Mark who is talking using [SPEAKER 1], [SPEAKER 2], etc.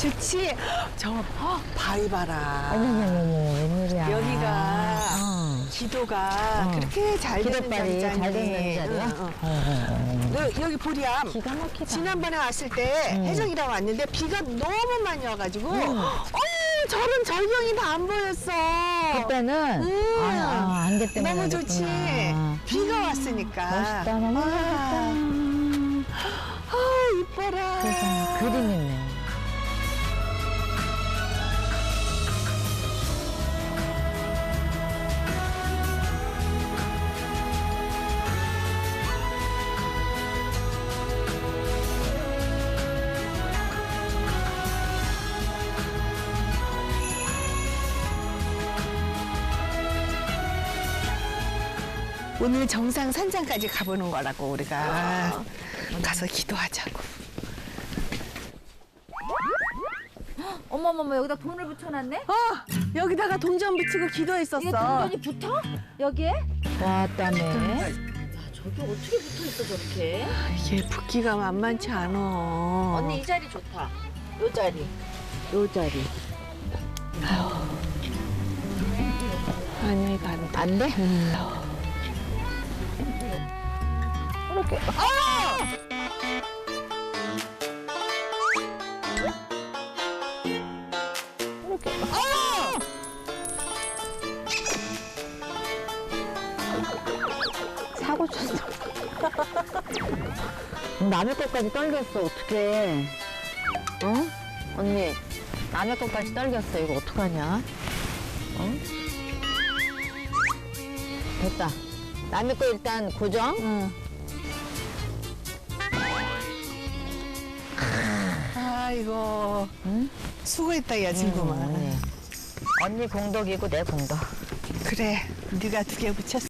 [SPEAKER 1] 좋지? 저 바위 봐라.
[SPEAKER 2] 어머머머, 웬일이야.
[SPEAKER 1] 여기가 기도가 그렇게 잘 되는
[SPEAKER 2] 기도빨이 잘 되는 자리야?
[SPEAKER 1] 여기 보리암.
[SPEAKER 2] 기가 막히다.
[SPEAKER 1] 지난번에 왔을 때 혜정이랑 왔는데 비가 너무 많이 와가지고 저런 절경이 다 안 보였어.
[SPEAKER 2] 그때는 안개 때문에
[SPEAKER 1] 너무 좋지.
[SPEAKER 2] 그랬구나.
[SPEAKER 1] 비가 왔으니까.
[SPEAKER 2] 멋있다, 너무 멋있다.
[SPEAKER 1] 이뻐라.
[SPEAKER 2] 세상에, 그림 있네.
[SPEAKER 1] 오늘 정상 산장까지 가보는 거라고 우리가 가서 기도하자고.
[SPEAKER 3] 어머머머, 여기다 돈을 붙여놨네?
[SPEAKER 1] 여기다가 동전 붙이고 기도했었어.
[SPEAKER 3] 이게 동전이 붙어? 여기에?
[SPEAKER 2] 왔다네.
[SPEAKER 3] 저기 어떻게 붙어있어 저렇게?
[SPEAKER 1] 이게 붓기가 만만치 않아.
[SPEAKER 3] 언니 이 자리 좋다. 요 자리. 요 자리.
[SPEAKER 1] 아니 이거 안 돼.
[SPEAKER 2] 안 돼?
[SPEAKER 3] 이렇게.
[SPEAKER 2] 사고 쳤어. 남의 것까지 떨겼어, 어떡해. 어? 언니, 남의 것까지 떨겼어. 이거 어떡하냐? 어? 됐다. 남의 거 일단 고정.
[SPEAKER 1] 아이고.
[SPEAKER 2] 응?
[SPEAKER 1] 수고했다 야 친구만.
[SPEAKER 2] 언니 공덕이고 내 공덕.
[SPEAKER 1] 그래. 네가 2개 붙였어.